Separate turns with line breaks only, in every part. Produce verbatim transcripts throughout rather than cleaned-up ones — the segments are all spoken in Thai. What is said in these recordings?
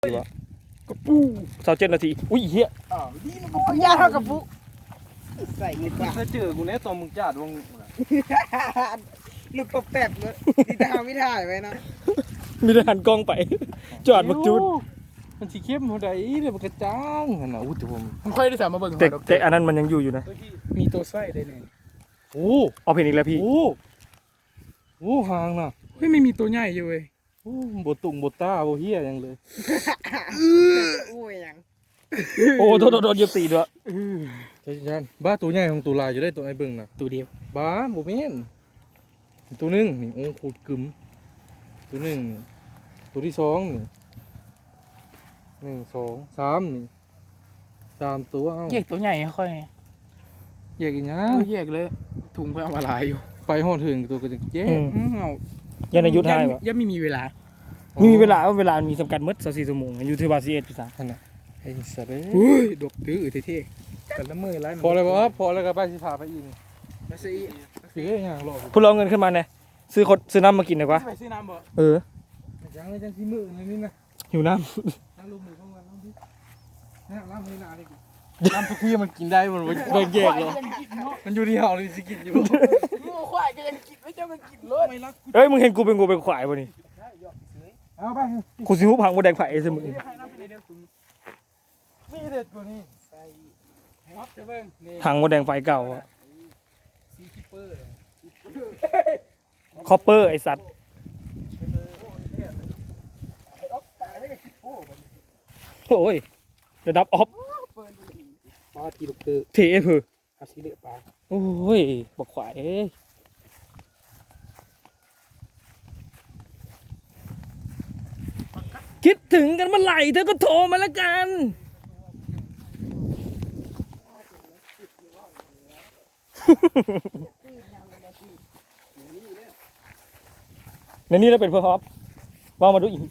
ดีวะกระปูสาวเจ็ดนาทีอุ้ยเฮีย
อ้าวนี่มันก็ยาเท่ากับปุ๊ใส่เงินบาท
ถ้าเจอกูแน่ตอนมึงจัดวง
ลูกตบแตกเลยที่ดาวไม่ถ่ายไว้นะ
มีทหารกล้องไปจอดบักจุด
มันสีเข้มหัวใดเดี๋ยวมันกระจ้างขนาดอุ้ยแต่ผม
ผมค่อยได้สามมาเบิ่ง
แต่แต่อันนั้นมันยังอยู่อยู่นะ
มีตัวไส้ได้เนี่ย
โอ้
เอาเพลงอีกแล้วพี่
โอ้โอ้ห่างน่ะ
เฮ้ยไม่มีตัวใหญ่อยู่เว้ย
โอ้บตุ่งบตาโบเฮียยังเลย
โอ้ยยัง
โอ้โดนโดนโดนเหยียบตีด้วย
ใช่ยันบ้าตัวใหญ่ของตัวลายอยู่ได้ตัวไอ้เบิ่งน่ะ
ตัวเดียว
บ้าโบเมนตัวหนึงนี่โอ้โคตรกึมตัวหนึ่งตัวที่สองนี่หนึ่งสองสามนี่สามตัวเอ้า
แยกตัวใหญ่ค่อย
แยกอีกนะ
เอาแยกเลยถุงไปเอามาลายอยู่
ไปหอดถึงตัวก็จะแยก
อืม
อืมเอา
ยันอายุทายวะ
ยังไม่มีเวลา
มีเวลาเวลามีจำกัดมืดสองสี่ชั่วโมงอยู่ที่บาซีเอ็ดพี่สาว
ขนาดไอ้สัตว์เอ้ย
อุ้ยดกตื้อเท่ๆกันละมือไล่
พอเลยบ่พอแล้วก็ไปสิพาไปอีก
ไปซื้อ
สิเอ้ยยังรอ
พูดเราเงินขึ้นมาเนี่ยซื้อคนซื้อน้ำมากินหน่อยกว่า
ไปซื้อน้ำบ่
เออ
ยังเลยจังสิมือนั่นนี่นะ
หิวน้
น้ำลมมือเข้ามาน้ำดินี่น้ำมือหนาดิน้ำทุกที่มันกินได้มันเบิ่งแยกเลยมันอยู่ที่เฮาเลยสิกินอยู่
งูควายก็ยังกินไม่จะมันกินเลยไม่รัก
ำเอ้ยมึงเห็นกูเป็นงูเป็นควายป่ะนี่
เอาไป
กูซิ้วพังกูแดงไผ่เสมอ
นี่เด็ดกว่านี้
ครับจะเบิ่งนี่
พังกูแดงไฟเก่าอะ
ซีคิปเปอร์
คอปเปอร์ไอสัตว์โอ้ยระดับออฟ
ปลาทีลูกตื้อ
เทเพื่อ
อาซีเลือปลา
โอ้ยบอกขวายเอ้ยคิดถึงกันเมื่อไหร่เธอก็โทรมาแล้วกัน ในนี้เราเป็นเพื่อฮอปว่ามาดูอีก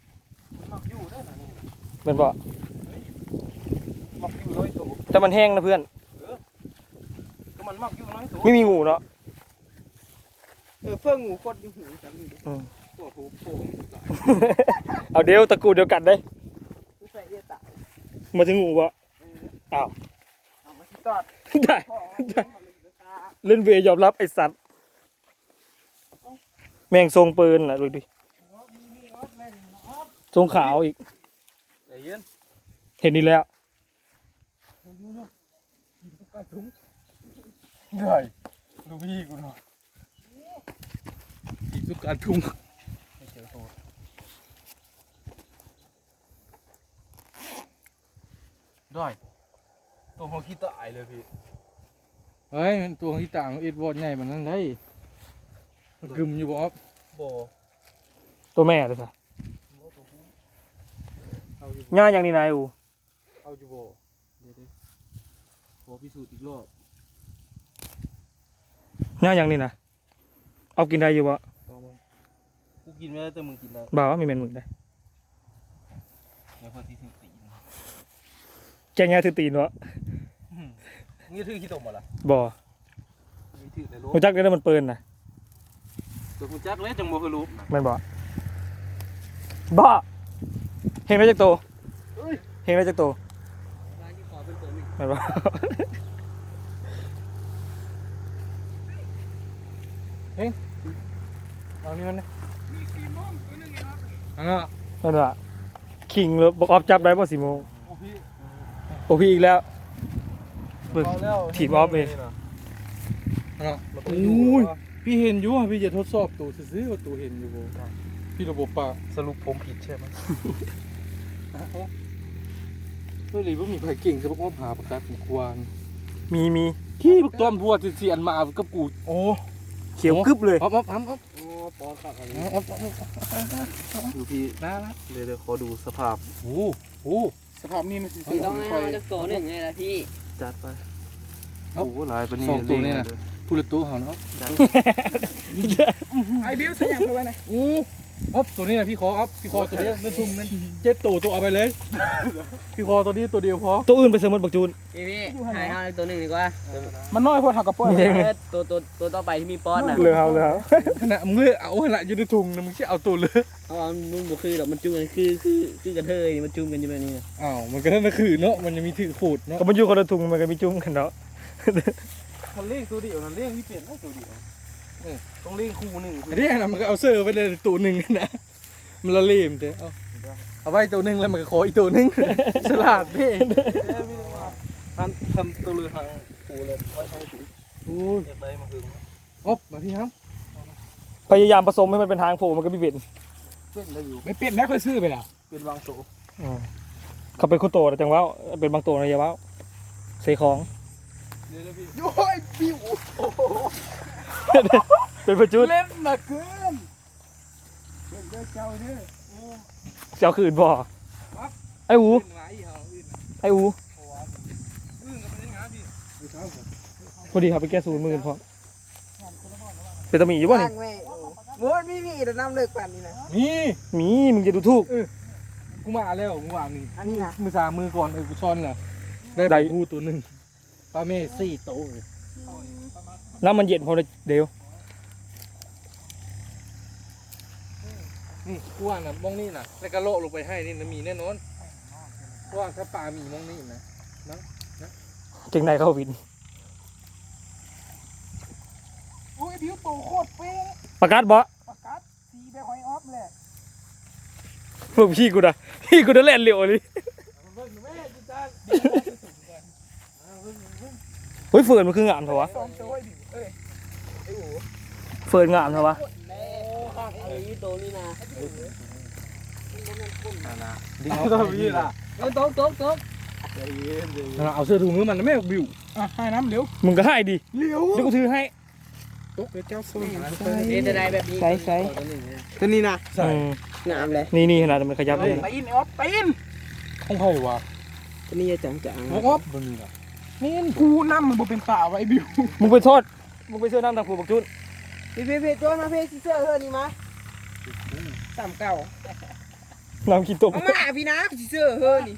เป็นบ่
มักอยู่น้อยตัว
แต่มันแห้งนะเพื่อน
ก็มันมักอยู่น้อยตัว
ไม่มีงูเนาะ
เออเพื่องูโคตรยุ่งหูจังเลย
ตัวผู้โผล่
เอาเดี๋ยวตระกูลเดียวกันได้
ใส่เอี้ยตาย
มาถึงงูบ่อ้าว
เอามาที่ตอด
ได้
พ่อ
เล่นเวย์ยอมรับไอสัตว์แมงทรงปืนน่ะดูดิทรงขาวอีก
ใจเย็น
เห็นนี่แล้ว
เหนื่อยดูพี่กูหน่อยอีกทุกการทุ่งไม่เจอตัวได้ตัวของขี้ตายเลยพี่เฮ้ยมันตัวของขี้ต่างเอ็ดวอดใหญ่แบบนั้นได้มันกึมอยู่บ่อ๊อฟบ่
ตัวแม่เลยสิ
เอาอยู่
ง่ายอย่างนี้นายอู
เอาอยู่บ่เดี๋ยวๆขอพิสูจน์อีกรอบ
ง่ายอย่างนี้นะเอากินได้อยู่บ่
ลองมากูกินไม่ได้แต่มึงกินได้
บ่าวว่ามีเมนมึงได้
เดี๋ยวพอที่ถึงตีน
แกงง่ายถือตีนวะ
นี่ถือขี้ตมบ่ล่ะ
บ่
นี่ถือในรถ
กูจักได้มันปืนนะ
ตัวกูจักเลยจังบ่เคยรู้
แมันบ่บ่เฮงได้จักโตเฮงได้จักโตแมันบ่
เอานี่มันนะอ่า
แมันบ่คิงเลยบอกออฟจับได้บ่สี่โมง
โอ้พี่
โอ้พี่อีกแล้วเบิก
เอาแล้ว
ถีบออฟเลย
อ่ะโอ้ยพี่เห็นอยู่อ่ะพี่จะทดสอบตัวซื้อๆว่าตัวเห็นอยู่บ่พี่ระบบปากสรุปผมผิดใช่ไหมเฮ้ยหรือว่ามีใครเก่งจะบอกว่าหาประกาศของควาน
มีมี
ขี้พวกต้อมพวกเสียนมากับกูโอ้
เขียวกึบเลย
อ๊อฟอ๊อฟอ๊อฟอ๊อฟ
โอ้ปอนตักอะไร
อ๊อฟอ๊อฟอ๊อฟดูพี่นะนะเดี๋ยวเดี๋ยวขอดูสภาพโอ้โห
สภาพนี้มันสิ
พี่ต้องให้เอาจากตัวหนึ่งไงล่ะพี่
จัดไปโอ้โหหลายปานนี้
สองตัวเนี่ยนะ
พูดละตัวเขาเนาะ
ไอ้บิวใส่ยังเข้าไปไหน
อู้อ๊อฟตัวนี้นะพี่คออ๊อฟพี่คอตัวนี้นั่นทุ่มนั่นเจ็ดตัวตัวเอาไปเลยพี่คอตัวนี้ตัวเดียวพอ
ตัวอื่นไปเสริมมันบักจูน
พี่พี่หายเอาตัวหนึ่งดีกว่า
มันน้อยพอทำกับป้อน
มีเอง
ตัวตัวตัวต่อไปที่มีป้อนน่ะ
เหลือเอาเหลือเอา
ขนาดมึงเลยเอาขนาดอยู่ในถุงนะมึงแค่เอาตัวเลย
อ๋อมันบ่คือหรอกมันจุ่มกันคือคือคือกระเทยมันจุ่มกันอยู่แบบนี้
อ้าวมันก็นั่นก็คือเนาะมันยังมีถือขูดเนาะ
ก็มันอยู่คนละถุงมันก็มีจุ้มกันเนาะ
มันเลี้ยงตัวเดียวมันเลี้ยงที่เปลี่ยนได้ตัวเดียวต้องเลี้ยงคู่หนึ่ง
เรียกนะมันก็เอาเสื้อไปเลยตัวหนึ่งนะมันละเลมเด้เอาเอาไว้ตัวหนึ่งแล้วมันก็ขออีกตัวหนึ่งฉลาดพี่
ทำทำตัวเรือทางคู่เลยไว้ใช้ถุง
โอ้ย
เก็บได้มาคือ
อ๊อฟมาพี่ครับ
พยายามผสมให้มันเป็นทางโผล่มันก็ไม่เป็น
เป็นได้อยู่
ไม่เป็นนะค่อยซื้อไปแล้ว
เป็นวางโต
เขาเป็นคนโตแต่จังว่าเป็นบางตัวนะอย่าว่าเสของ
เดี๋ยวพี่
โอ้ยปิ้ว
เป็นประจุด
เล่นมาเกินเล่นเด้อเจ้าเด้อ
เจ้าคืนบ่ไอ้อู
เป็นไรเหรออื่น
ไอ้อู
อื่นก็เป็นงานพี่
พอดีครับไปแก้ศูนย์หมื่นพอเป็นตะหมีอยู่ป่ะนี่
โว้ยมีมีแต่น้ำเลิกปั่นนี่นะ
มี
หมีมึงจะดูถูก
กูมาแล้วกูวางนี่
อันนี้นะ
มือสามมือก่อนเออกูช้อนน่ะได้
ได้
ปลาทูตัวหนึ่งปลาเมสี่ตัว
น้ำมันเย็นพอเลยเดี๋ยว
นี่กูว่าน่ะมองนี่น่ะแล้วก็โละลงไปให้นี่นะมีแน่นอนเพราะว่าถ้าปลามีมองนี่นะ
เก่งในเข้าวิน
อุ้ยผิวโตโคตรเป๊ะ
ประกาศบ่
ประกัดสีแบบหอยออฟเลย
พวกพี่กูนะพี่กูจะเล่นเร็วเลยเฮ้ยเฟิร์นมันคืองามเถอะวะ
สองตัวดิเอ้ย
เฟิร์นงามเถอะวะ
โอ้ข้างไอ้ตัวนี้นะ
ดิ้งเอาตัวพี่ล่ะ
เอ้ยตกตกตก
เอาเสื้อถุงมือมันนะแม่บิว
อ่ะให้น้ำเร็ว
มึงก็ให้ดิ
เร็ว
เดี๋ยวกูถือให้
ตกเดี๋ยวเจ้าโซน
เอ็นจะได้แบบนี้
ใส่ใส่
ตัวนี้นะ
ใส่
อืม
งามเลย
นี่นี่ขนาดมันขยับเลย
ตีนออฟตีน
ของไผ่วะ
ตัวนี้จะจังจัง
ออฟ
บนนี้ล่ะ
นี่กูน้ำมันบ่เป็นป่าไว้บิว
มึงไปโทษมึงไปเสื้อน้ำทางผูบักจุน
พี่พี่พี่โจนมาพี่เสื้อเฮือนี่มาสามเก้า
น้ำกินตก
เอามาพี่นะเสื้อเฮือนี่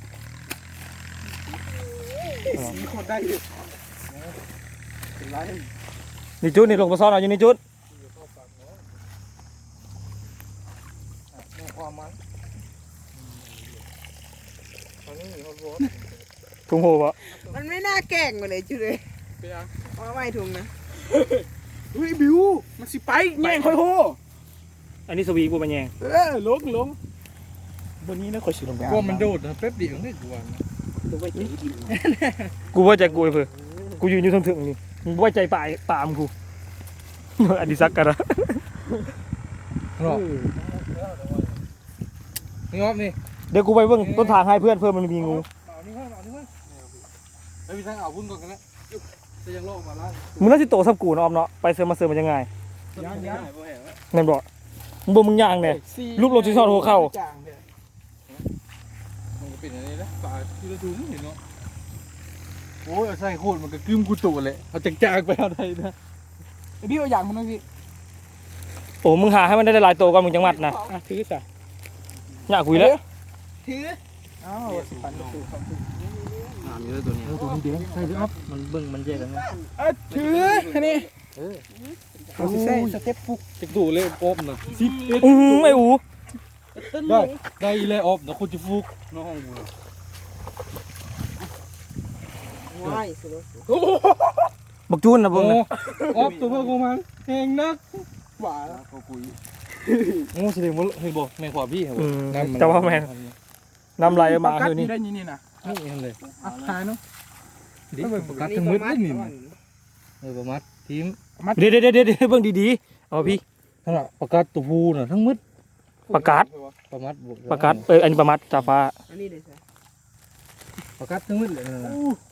สีโคตรได้เลยเป็นไร
นี่จุดนี่ลงมาซ้อนเอาอยู่นี่จุด
ความมันตอนนี้มีฮอตวอต
ถุงโหวะ
มันไม่น่าแกล้งมาเลยจุดเลย
ไปยัง
เอาไม่ถุงนะ
เฮ้ยบิวมันสิไปแย่งค่อยโห
อันนี้สวีกูมาแยง
เออลงลงบนนี้นะค่อยสิลงไป
กลัวมันโดดนะแป๊บเดียวนี่กลัวนะ
ตัวไปจีกิน
กูไว้ใจกูไอ้เพื่อกูยืนอยู่ถึงๆนี่มึงไว้ใจป่าป่ามกูอดิศักกันนะ
เนาะนี่งอบนี่
เดี๋ยวกูไปเบิ่งต้นทางให้เพื่อนเพื่อนมันมีงู
เอานี่ก่อนเอานี่ก่อนเฮ้ยพี่ทั้งเอาพุ่นก่อนกันนะจะยังโลกมาล้าน
มึงน่าสิโตสับกูเนาะออมเนาะไปเสือมาเสือมันยังไง
ยังยัง
แม่นบ่มึงบ่มึงย่างเนี่ย ลูกลงที่ซอดหัวเข่า
มันก็เป็นอย่างนี้นะปลาที่เราดูไม่เห็นเนาะโอ้ยเอาใส่โคตรมันก็กึ้มกูตัวเลยเอาจากจากไปเอาได้นะ
ไอ้บิวเอาอย่างมันหน่อยสิ
โอ้มึงหาให้มันได้หลายโตก่อนมึงจังหวัดนะ
อ่ะถือซะ
อยากคุยแล้ว
ถือ
อ้าวสิปันประตูเข้าตู้
ถามอยู่ตัวนี้ตัวนี้เดี๋ยวใส่ดิอ๊อฟมันเบิ่งมันแยกกันนะ
เอ้ยถืออันนี้เอาสิใส่สเต็ปฟุก
จากตัวเลยออฟนะสิบเอ็ด
อือไอ้อู
ได้ได้เลยออฟนะคนจะฟุกน้องห้องกู
ว้ายสุด
บักจูนนะ
โอ้
เบิ่งนะ
ออฟตัวเพื่อนกูมันแหงนัก
หวาน
เขาคุยโอ้แสดงว่าเฮ้ยบอกแม่ขวาพี่เหรอ
อืมแต่ว่าแม่นน้ำลายมา
กัด
คือ
นี่
นี่
ได้ยินนี่นะ
นี่เองเลย
อ่ะถ่ายเนาะ
ดิประกาศทั้งมืดเลยนี่เออประมัดทีม
เดี๋ยวเดี๋ยวเดี๋ยวเดี๋ยวเบิ่งดีๆเอาพี่
ทั้งประกาศตัวผู้น่ะทั้งมืด
ประกาศ
ประมัดบว
ประกาศเอออันนี้ประมัดจ่าฟ้า
อันนี้เลยใช่
ประกาศทั้งมืดเลยนะ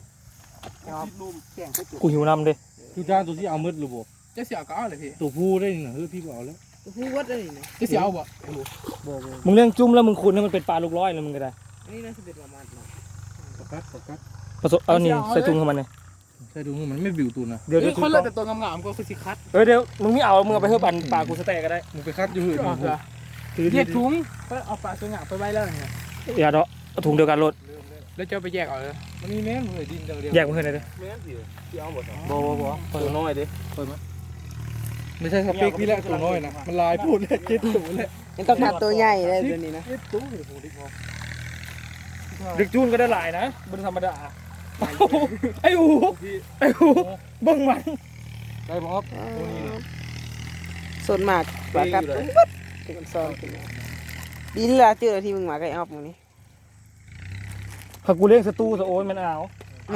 กูหิวน้ำเด้
ทุกจ้าตัวที่เอามืดหรือบ่
จะเสียก็เอาเลยพี่
ตัวผู้ได้นี่นะเฮ้ยพี่บอกแล้ว
ผู้วัดเลยนะ
จะเสียเอาบ่
บอก
มึงเลี้ยงจุ้มแล้วมึงขุนให้มันเป็นปลาลูกร้อยแล้วมึงก็ได้
อันนี้น่าจะเป็นประมาณนั้น
ประกาศประกาศ
ผสมเอานี่ใส่ถุงของมันเลย
ใช่ดูมันไม่บิวตัวนะ
เดี๋ยว
เดี๋
เดี๋
ย
ยว ว
คนละแต่ตัวงามๆก็คือสิคัด
เออเดี๋ยวมึงไม่เอามึงเอาไปเพิ่มปันปลากูสแต็กก็ได้
มึงไปคัดอยู่หื่น
เอาเหรอ
เรียกถุงเพื่อเอาปลาสวยงามไปไว้แล้วเนี่ย
อย่าเนาะเอาถุงเดียวกันรถ
แล้วจะไปแยกเอาเลย
มันมีแม่นเลยดินเดียว
แยกมาขึ้นเลยดิ
แม่นสิที่เอาหมดเหรอ
บ่บ่บ่
ตัวน้อยดิ
ไม่ใช่สเปคพี่แหละตัวน้อยนะมันลายพูดเลยเจ็ดตัวเลย
มันต้องหัดตัวใหญ่เลยตัวนี้นะ
เจ็ดตัวโอ้โหดิพอ
ดึกจูนก็ได้หลายนะบนธรรมดาไอ้อูไอ้อูเบิ่งมัน
ได้บ่ครับตัวนี้นะ
ส่วนมากปลากัดปุ๊บปุ๊บเป็นคนซ้อนขึ้นมาดีที่เราเจอที่มึงมาไก่ออฟมึงนี่
ถ้ากูเลี้ยงสตูสะโอ้ยมันเอา
โอ้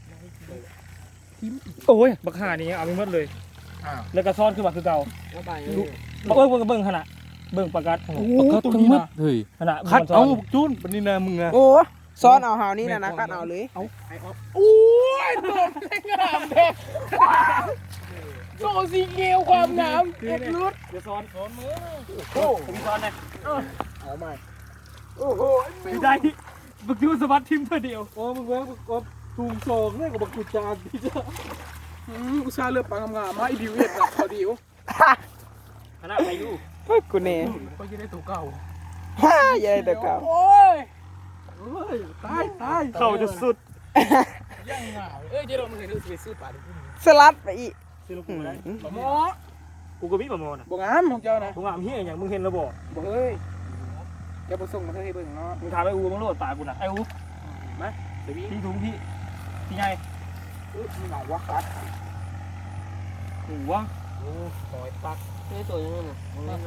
โอ้ยบักห่านี่เอาไปหมดเลย
อ้าว
แล้วก็ซ่อนขึ้นมาคือเก่า
เอาไป
บักเอ้ยเบิ่งก็เบิ่งขนาดเบิ่งประกัด
โอ้ตัวนี้นะเฮ้ย
ขนาด
คัด
มันซ่
เอา
น
จุนปนินามึงนะ
โอ้ซ้อนเอาหาวนี่นะนะกัดเอาเลย
เอา
โอ้ยตัวงามแท้โซสีเขียวความงามเอ็ดลุด
เดี๋ยวซ้อนซ้อนมือโอ้ผมซ้อนเลย
เอาใหม่
โอ้โหไม่ได้บักจูนสะบัดทิมเพื่อเดียว
โอ้มึงเว้ยก็ถุงโซงเนี่ยกับบักกุจานพี่จ้า
อืมกูซาเลือกปลางามๆมาอีดิวเอ็ดนะเขาดิว
ขนาดอายุ
เฮ้ยกูเน่
ก็จะได้ตัวเก่า
ฮ่าใหญ่แต่เก่า
โอ้ยเฮ้ยตายตาย
เข้าจะสุด
ยังไงเอ้ยเจ๊เรามึงเห็นเราไปซื้อปลาดิ
สลัดไปอีก
ซื้อลูกกูได้
ปลาหมอ
กูก็มีประมอนะ
บ่งามของเจ้านะ
กูงามเฮียอย่างมึงเห็นระบบ
บ่เฮ้ยเดี๋ยวไปส่งมาให้เบิ่งเนาะ
มึงถามไอ้อูมึงโลดตายกูนะไอ้อู
มาเดี๋ยวพี่
พี่ถุงพี่พี่ไง
อุ๊ยมีหนองวักกัด
หูวะ
หอยปักนี่ตัวนี้น่ะ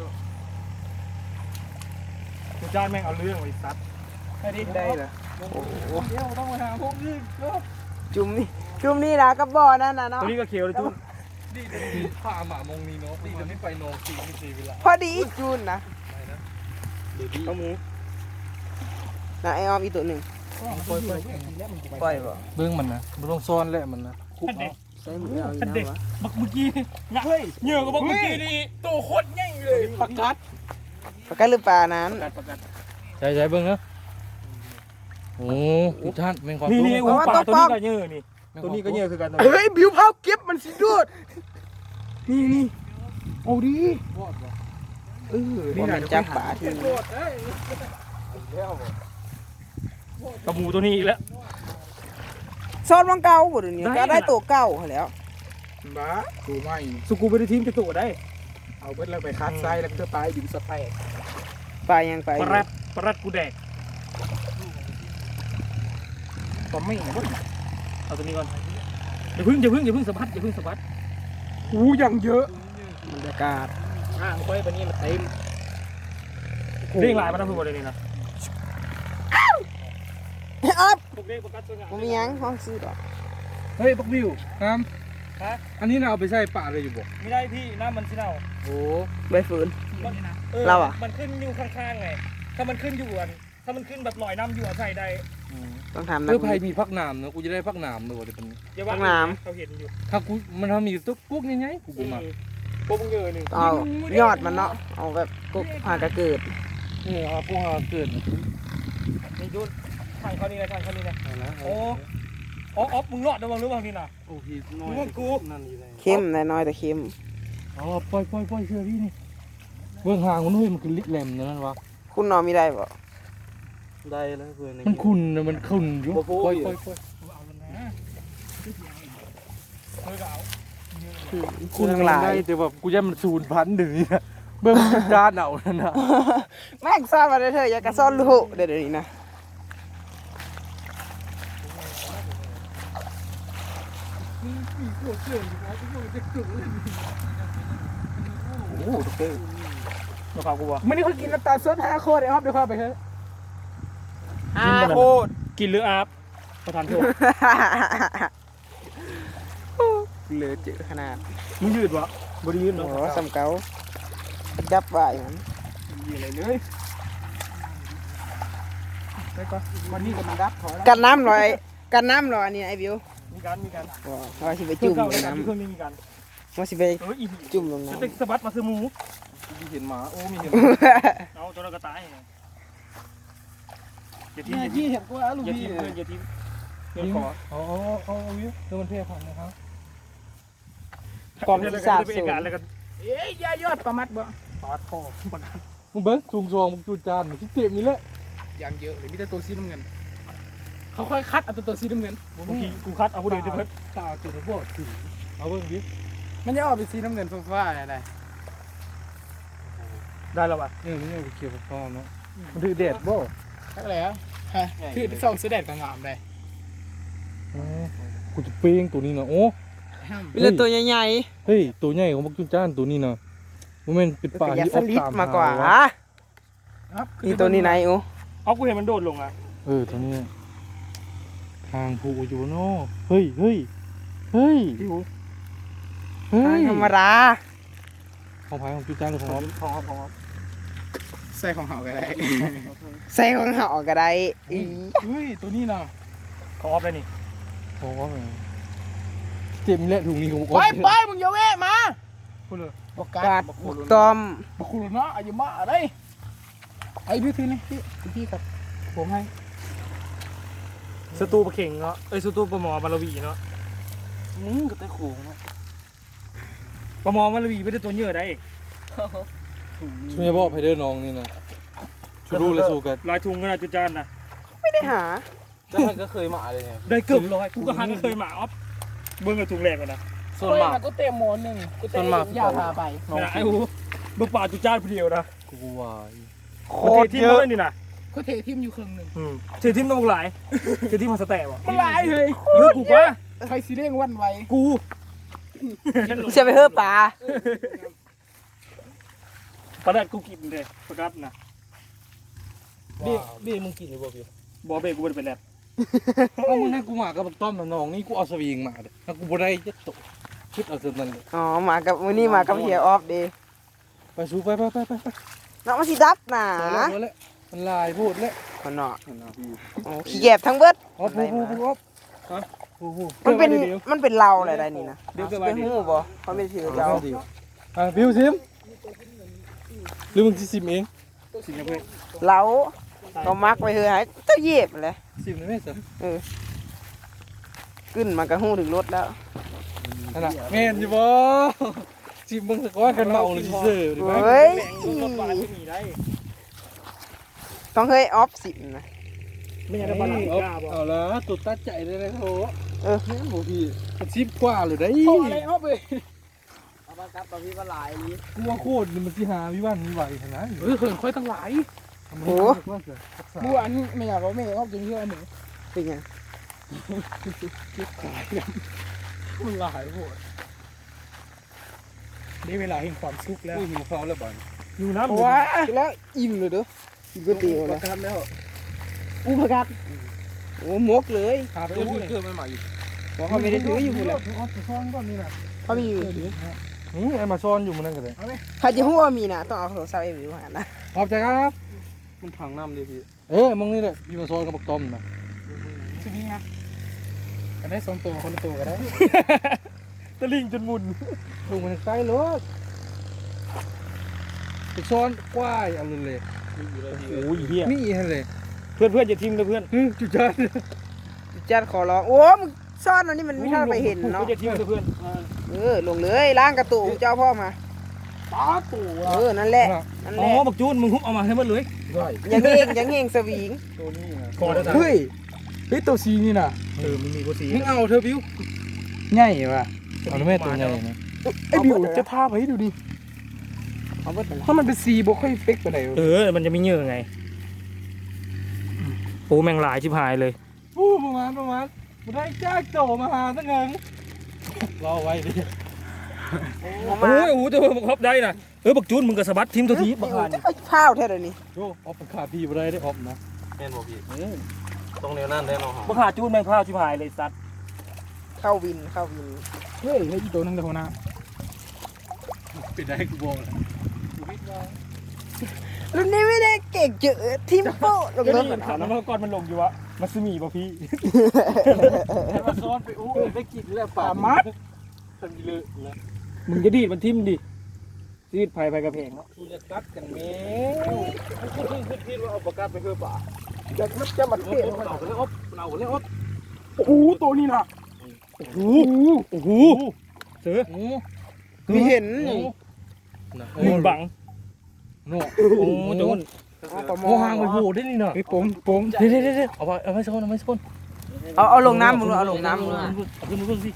กูจ้างแม่งเอาเรื่องไอ้ซัด
ให้ดิได้เหรอ
โอ้โหเดี๋ยวต้องมาหาพวกนี้ก็
จุ่มนี่จุ่มนี่นะกับบ่อนั่นน่ะเนาะ
ตัวนี้ก็เขียวเลยจุ๊บ
ดีแต่ดีพาหมามงนี้เนาะดีแต่ไม่ไปนองสีไม่สีเวลา
พอดีจูนนะ
เดี๋ยวดี
เอาหมูน่ะไอออมอีกตัวหนึ่ง
ปล่อยปล่อย
ปล่อยบ่
เบื้องมันนะมันต้องซ่อนแหละมันนะคุกเอา
ใส่หมูเอาอีก
อันเด็ก
นะวะ
บักเมื่อกี้นะเฮ้ยเหยื่อกับบักเมื่อกี้นี่ตัวโคตรใหญ่เลย
ปักกัดปักกัดหรือปลานั้น
ใช่ใช่เบื้องนะโอ้ทุกท่านแมงความ
นี่
รู้
นี่อูปลาตัวนี้ก็เหยื่อนี่ตัวนี้ก็เหยื่อคือกัน
เฮ้ยบิวเผาเก็บมันสิดูดนี่นี่เอาดิเออนี่น่ะจับปลาที่
กระหมูตัวนี้อีกแล้ว
ซอนวังเก่าบ่เดี๋ยวนี้ก็ได้ตัวเก่าหั่นแล้ว
บ้าดูไม่
สุกูไปได้ทีมจะตัวได้
เอาเบิดแล้วไปคัดไซแล้วก็ไปดินสแต็ก
ปลายังไป
ปลารัดปลารัดกูแดก
ก็ไม่เบิด
เอาตัวนี้ก่อนอย่าพึ่งอย่าพึ่งอย่าพึ่งสะบัดอย่าพึ่งสะบัด
อู้ยังเยอะ
บรรยากาศ
อ่างไปวันนี้มันเต็มเรียงลายมาทั้งหมดเลยนี่นะ
อ๊อบ
พวกเด็กประกัดตัวงาม
บ่มีหยังห้องซื้อดอก
เฮ้ยปักวิวครับ
ฮะ
อันนี้เราเอาไปใส่ป่าเลยอยู่บ่
ไม่ได้พี่น้ำมันสิเน่า
โอ้
ใบฝืน
มัน
เราอะ
มันขึ้นอยู่ข้างๆไงถ้ามันขึ้นอยู่อันถ้ามันขึ้นแบบลอยน้ำอยู่อะใส่ได้
ต้องทำ
เพื่อภัยมีพักน้ำเนอะกูจะได้พักน้ำเนอะเดี๋ยวเป็น
อย่าว่า
ข้างน้ำ
เขาเห็นอยู่
ถ้ากูมันทำมีตุ๊กกุ๊กง่ายๆกูบ่มา
พวกมึงเยอะหนึ่ง
เอายอดมันเนาะเอาแบบกุ๊กผ่ากระเกิด
นี่เอาพวกเราเกิด
นี่ยุดทางเขานี่นะทางเขานี่นะโอ้อ๋ออ๋อมึงรอดระวังหรือเปล่านี่นะ
โอ้พี่น้อย
มึงกู
นั่นนี่เลย
เข้มน้อยๆแต่เข้ม
อ๋อปล่อยปล่อยปล่อยเชื่อพี่นี่เบื้องห่างมันเฮ้ยมันคือลิกแหลมนะนั่นวะ
คุณนอนไม่ได้บ่
ได้แล้วเพื่อนมันขุ่นนะมันขุ่นอยู่ปล่อยปล่อยปล่อย
เอาแล้วนะเฮ้ยก็เอา
คุณทั้งหลาย
ได้แต่แบบกูจะมันศูนย์พันหนึ่งเนี่ยเบื้องจานเอานั่นนะ
แม่งซ่อนมาได้เถอะอย่ากระซ่อนลูกเดี๋ยวนี้นะ
โอ้โหตุ๊กเต้มาฝากกูวะ
มันนี่เขากินน้ำตาลสดห้าโคตรไอ้ฮอบเดี๋ยวเข้าไปเถอะห้าโคตร
กินหรืออาบประธานโทษ
เหลือเจอขนาด
มึงยืดวะบริยืด
โอ้
เนาะ
โหสำเกาดับไว้มัน
ยืดอะไรเลยไปก่อน
วันนี้ก็มันดับกันน้ำลอยกันน้ำลอยนี่ไอ้บิว
มีการมีการ
ว้าวว่าสิไป
จุ่
จุ่
ม
ม
เก่า
ล
เลย
ง
นะ
น้
มีคนไม่มีการ
ำว่าสิไป
เอออี
จุ่มลง
จะ
น้ำ
เต็กสะบัดมาซื้อหมู
ที่เห็นหมาโอ้มีเห็น
เอาตัวเราก็ตายอย่าทิ้ง
เนี่ย
อย่า
ที่
ทิ้ง
เห็นกูแล้วลูก
อย่า
พี่
ทิ้ง
เนี่
เพื่อย นอย่าทิ้งเพื่อนขอ
อ๋ออ๋อวิวเดี๋ยวมันเท่ผ่านนะครับ
กองที่สาบ
เป็น
สู
เอง กาศแล้วก็
เอ้ยยายอดประมัดบ่
ปาดคอประกัน
มึงเบิ้งสูงซองมึงจูจานมึงที่เต็มนี่แหละ
อย่างเยอะเลยมีแต่ตัวสีน้ำเงินเขาค่อยคัดเอาตัวตัวสีน้ำเงิน
เมื่อกี้กูคัดเอาผู้เดียวจะเพิ่น
ตาจุดบอดสีเอาเบิ้งดิ
มันจะออกเป็นสีน้ำเงินฟ้าๆอะไร
ได้แล้วป่ะ
เนี่ยนี่เอาไปเกี่ยวกับฟอมเนาะมันถือแดดบ่
ทักแล้วฮะคือส่องเสด็จกับงามเลย
อ๋อกูจะเป้งตัวนี้นะโอ้
เป็นเรื่องตัวใหญ่
เฮ้ยตัวใหญ่ของบักจุนจ้านตัวนี้นะมันเป็นเป็น
ๆ
ป่า
เป็นยั
ที่
กษ์สลิปมากกว่า
หวะ
นี่ตัวนี้ไหนอู
เอากูเห็นมันโดดลงอ่ะ
เออตัวนี้ทางผูอยู่เนาะเฮ้ยเฮ้ยเฮ้ย
พี่หู
เฮ้ย
ธรรมดา
ของพายของจุนจ้านหรือของ
พอพอ
ใส่ของเห่าก็ได้ใส่ของเห่าก็ได้อี
เฮ้ยตัวนี้นะ
ของออฟเลยนี่
ของว่าไงเจ็บนี่แหละถุงนี้ของ
ไปไปมึงอย่าเวะมา
พูดเลย
บอกกาดบอกตอมบอกคุณเนาะอายุมาอะไรไอ้พี่ทีนี่พี่พี่ครับผมให้
สตูปลาเข่งเนาะเอ้ยสตูปลาหมอมาลาวีเนาะ
มึงก็ตะโขง
ปลาหมอมาลาวีไม่ได้ตัวเยอะได้
ช่วยบอกไพเดอร์น้องนี่นะชูรู้และสู้กัน
ลายทุงก็น่าจุจานนะ
ไม่ได้หา
จ้าก็เคยมาเลยไง
ได้เกือบร้อยกูก็หาก็เคยมาออฟเบิ้งกับถุงแรกกันนะ
ส่วนมาก
ก็เต็มหมอนหนึ่งกูเต็มยาพาไป
ไม่ได้ไอ้หูเบิ้งป่าจุจานผู้เดียวนะ
กูวาย
โค
โค
ต
ต
ร
ร
เย
เย
อะ
อะนี่นะ
เขาเททิมอยู่ครึ่งหนึ่ง
อืมเสียทีมต้องหลายเสียทีมมาสแตะวะ
มันหลายเลย
เยอะกูกว่า
ใครสิเร่งวันไว
กู
จะไปเฮ้อปลา
ประดัดกูกินเลยประกัดนะ
บี้บี้มึงกินหรือเปล่าพี่
บอเบกูไม่ได้เป็นแลบ
เอามึงให้กูมากับบักต้อมน้องนี่กูเอาสวิงมาเด้ถ้ากูบ่ได้จะตกคิดเอาเท่านั้นเลย
อ๋อมากับมื้อนี้มากับเฮียออฟดี
ไปสู้ไปไปไปไปไป
น้องมาสิดับน่ะ
พอแล้วพอแล้วมันลายพูดแล้ว
คนเนาะโอ้ขี้แกบทั้งเบิด
อ๋อพูดพูดพูดอ๊อฟฮะพูดพูด
มันเป็นมันเป็นเราอะไรได้นี่นะ
เดี๋ยวเกิด
เป็นหูบ่เขาเป็นชื่อเจ้า
อ่ะบิวซิมหรือมึงสิซิมเอง
สิงคโปร์
เราเขามักไว้เฮือให้เจ้าเหยียบเลย
ซิมได้ไหมสิ
ขึ้นมากระหูถึงรถแล้ว
นั่นน่ะแม่นอยู่บ่ซิมเบิ่งสักก้อนกันเมาหรือสิเซ่อหรือไม่
เฮ้ย
รถปลาไม่มีได้
ต้องเฮ้ยออฟสินะ
ไม่อยากได้ปลาหลังกล้าบอก
เอาละตุดตัดใจเลยนะโห
เออ
แม่นบ่พี่มันซิมกว่าเลยได้
โอ้อะไรออฟเลยเอามากับตอนพี่ว่าหลายนี้
กูว่าโคตรนี่มันสิหาวิวันมีไหวขนาดนี้
เฮ้ยเขินค่อยตั้งหลาย
โอ้
บัวอันนี้ไม่อยากเอาไม่ออฟจนเชื่อหนูเป็นไง
มันหลายโหด
ได้เวลาแห่งความสุขแล้ว
กูหิวข้าวแล้วบัด
อยู่น้ำ
เพราะว่าแล้วอิ่มเลยเด้ออิ่มก็ตีเลย
กันแล้ว
อู้พกัดโอ้มกเลย
หาไปอู้เกิดใหม่ๆอีก
บอกเขาไม่ได้ถืออยู่พุ่นแหละ
เอาไปซ่อนก่อนนี่น่ะ
เขามีอยู่
นี่ไอ้มาซ่อนอยู่มันนั่นก็ได้
เขาจะหัวมีนะต้องเอาโทรศัพท์เอ็มอยู่หานะ
ขอบใจครับมันถังน้ำเลยพี่เออมองนี่แหละพี่มาซ่อนกับบักต้อมนะ
ทีนี้นะก็ได้สองตัวคนละตัวก็ได้
ตะลิงจนมุน
ดูมันใกล้รถไปซ่อนกว้ายเอาเลยเลย
โอ้ยเฮีย
นี่ฮะเลย
เพื่อนเพื่อนอย่าทิ้งเลยเพื่อน
จุดจ้า
จัดขอร้องโอ้มึงซ่อนอันนี้มันไม่ทันไปเห็นเนาะ
อย่าทิ้งเลยเพื่อน
เออลงเลยล้างกระตุกเจ้าพ่อมา
ตาตู่
เออนั่นแหละนั่น
อ๋
แห
อ
ละ
บักจูนมึงฮุบเอามาให้หมดเลย
ได้
ยังเฮงยังเฮงสวิง
ตัวนี้นะ
คอได้
เฮ้ยเฮ้ยตัวซีนี่น่ะ
เออมึงมีกูสี
มึงเอาเธอบิว
ใหญ่ว่ะ
เอาแม่ตัวใหญ่นะ
ไอ้บิวจะทาไปให้ดูดิเอาเบิดถ้ามันเป็นซีบ่ค่อยเป๊กไปไหน
เออมันจะไม่เยอะไงโอ้แมงหลายชิบหายเลย
ปูประมาณประมาณมาได้จ้าโจมาหาตั้งเงินรอไว้ดิ
โอ้ยโอ้โหเจอบักฮอบได้นะเออบักจูนมึงกับสะบัดทีมตัวทีบักฮาน
ไอ้ข้าวแท้เลยนี่
โยออฟขาพี่มาได้ได้ออฟนะแน่นบ่พี่ต้องแนวนั่นแน่นอน
บักฮาจูนแมงพร้าวชิบหายเลยสัตว์
เข้าวินเข้าวินเฮ้ยให้อีตัวนึงเดี๋ยวนะ
ปิดได้กูบอกเลย
รุ่นนี้ไม่ได้เก่งเจอทิมโป้ลง
ก็
รถ
นี่ถามแล้วเมื่อก่อนมันลงอยู่วะมัสมีป่ะพี่
ให้มาซ้อนไปอู้ได้กินแล้วป่า
มัด
ทำเลยแล้ว
มึงจะดีดมันทิมดิดีดไผ่ไผ่กระเพงเนาะ
กูจะตัดกันแม่กูคิดคิดคิดว่าเอาปากกาไปเพื่อป่า
จะมันจะมัน
เอา
เท่
ไปเอาไปเลยออฟเอาไปเลยออฟ
โอ้โหตัวนี้นะ
โอ้โหโอ้โหเสือ
โอ้
มีเห็น
โห
มึงบัง
เนาะ
โอ้โจน
โอ้ห่างไปโผล่ได้นี่เนาะ
ไอ้ปมปม
เดี๋ยวเดี๋ยวเดี๋ยวเอาไปเอาไปโซนเอาไปโซน
เอาเอาลงน้ำมึงเอาลงน้ำมึง
เอาขึ้นมาขึ้นสิ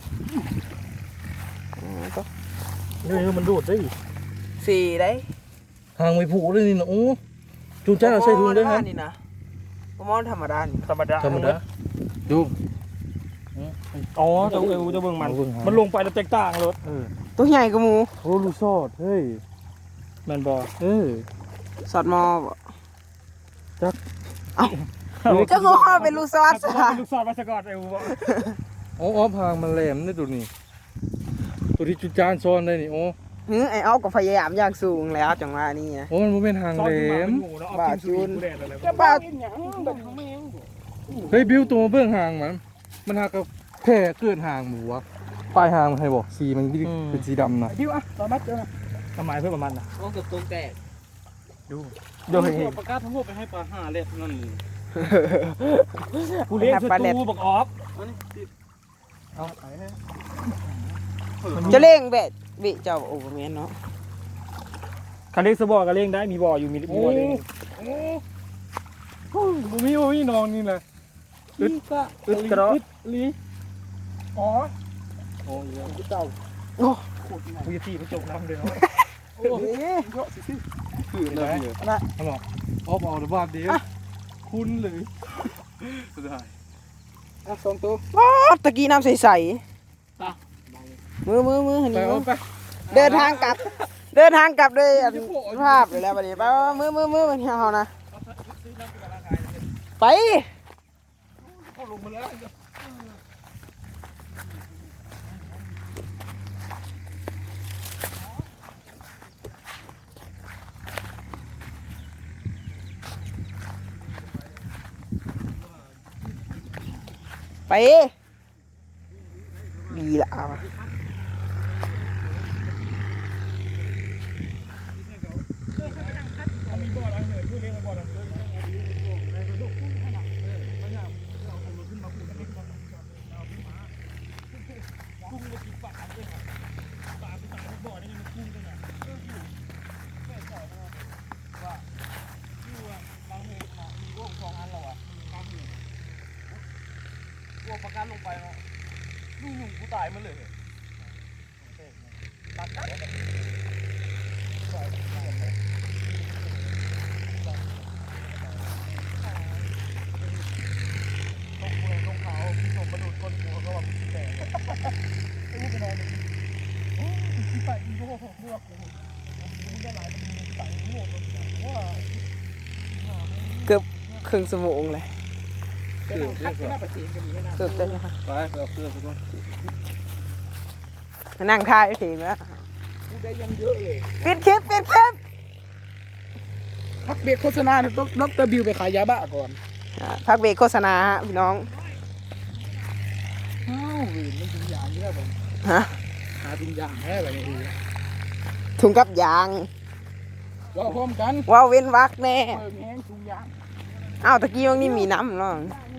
เฮ้ยมันโดดได้
สี่ได้
ห่างไปโผล่ได้นี่เนาะโอ้จูจ้าใส่ถุงได้ครับ
นี่นะปมอนธรรมดานี่
ธรรมดา
ธรรมดาดู
อ๋อเจะเอวจะเบิ่งมัน มันลงไปแล้วแตกต่างรถ
ตัวใหญ่กว่าหมู
โอ้ลูกซอดเฮ้ย
แมนบอ
เออ
สอดมอบ่
จัก
เอ้าเจ้าก็ว่าเป็นลูกซอส
ลูก
ซะ
ลูกศรมาสะกอดเอวบอ
อ๋ออ๋อพางมันแหลมนี่ดูนี่ตัวที่จุดจานซ้อนได้นี่โอ้
หือไอ้เอาก็พยายามอย่างสูงแล้วจังว่านี่นะ
โอ้มันบ่เป็นหาง
ซ้อน
แหล
ขึ้นมาเป็
ม
นหมูแล้วเอากินสูตรแดดอะไร
จะบ้า
เฮ้ยบิวตัวเบื้องหางมันมันหากับแค่เกินหางหมูวะปลายหางมันให้บอกสีมันเป็นสีดำนะ
ดิวอ่ะต่อมาเจอ
ทำไมเพื่อประมาณน่ะ
โอ้เกือบตรงแตก
ดูเห็นเห็น
ประกาศทั้งหมดไปให้ปลาห้าเล็ดนั่น
กูเลี้ยงคือตูบักออฟ
เอาไปให้
จะเล่งแบดบิเจ้าโอ้แม่นเนาะ
คันเลี้ยงสบอกันเลี้ยงได้มีบ่ออยู่มีมีบ่อเลี้ยง
โอ้โหบ่มีบ่มีนอนนี่แหละ
อึดอึดกระโดด
ลีอ๋อ
โอ้ยเจ้า
โอ้
กูจะตีมันจมน้ำเลยเนาะ
โอ้โหเยอะสิคืออะไรเนี่ย
เอาบอกออฟเอาหรือบ้านเดียว
คุณเลยได้
อ่ะสองตัวว้าตะกี้น้ำใสๆมือมือมือหัน
ไป
นี้
เอาไป
เดินทางกลับ เดินทางกลับด้วยอันภาพเลยแล้วบัดนี้ไปว่ามือมือมือมันเฮานะไปไปดีละเอา
พวกประกันลงไปเนาะลูกหนุ่มกูตายมาเลยตัดกันตกเมืองตกเขาพี่ส่งมาดูดคนหัวเขาแบบแตกไอ้ลูกไปนอนเลยโอ้ยที่ไปอีโม่เลือกกูมึงได้หลายมันมีใส่โม่ตัวว่า
เกือบครึ่งชั่วโมงเลย
เสือเสือ
เกือบจะนะคะ
ไปเอาเสือไปก่อน
มานั่งท่าไอ้ทีมแล้ว
กูได้ยังเยอะเลย
ปิดคลิปปิดคลิป
พักเบรกโฆษณาเนี่ยต้องดรบิวไปขายยาบ้าก่อน
อ่าพักเบรกโฆษณาฮะพี่น้อง
อ้าวเวรมันถึงยางเยอะผม
ฮะ
หาถึงยางแค่แบบนี้
ถุงกับยาง
ว่าพร้อมกัน
ว้าวเว้นวักแน่
เปิดแห้งถุงยาง
อ้าวตะกี้วันนี้มีน้ำเนาะ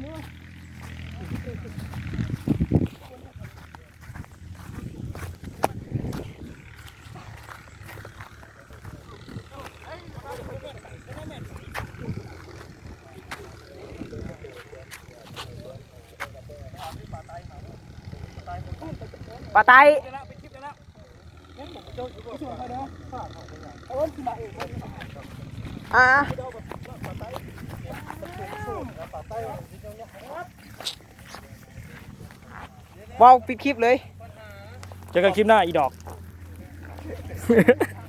ปลาไตอ่าว้าวปิดคลิปเลย
เจอกันคลิปหน้าอีดอก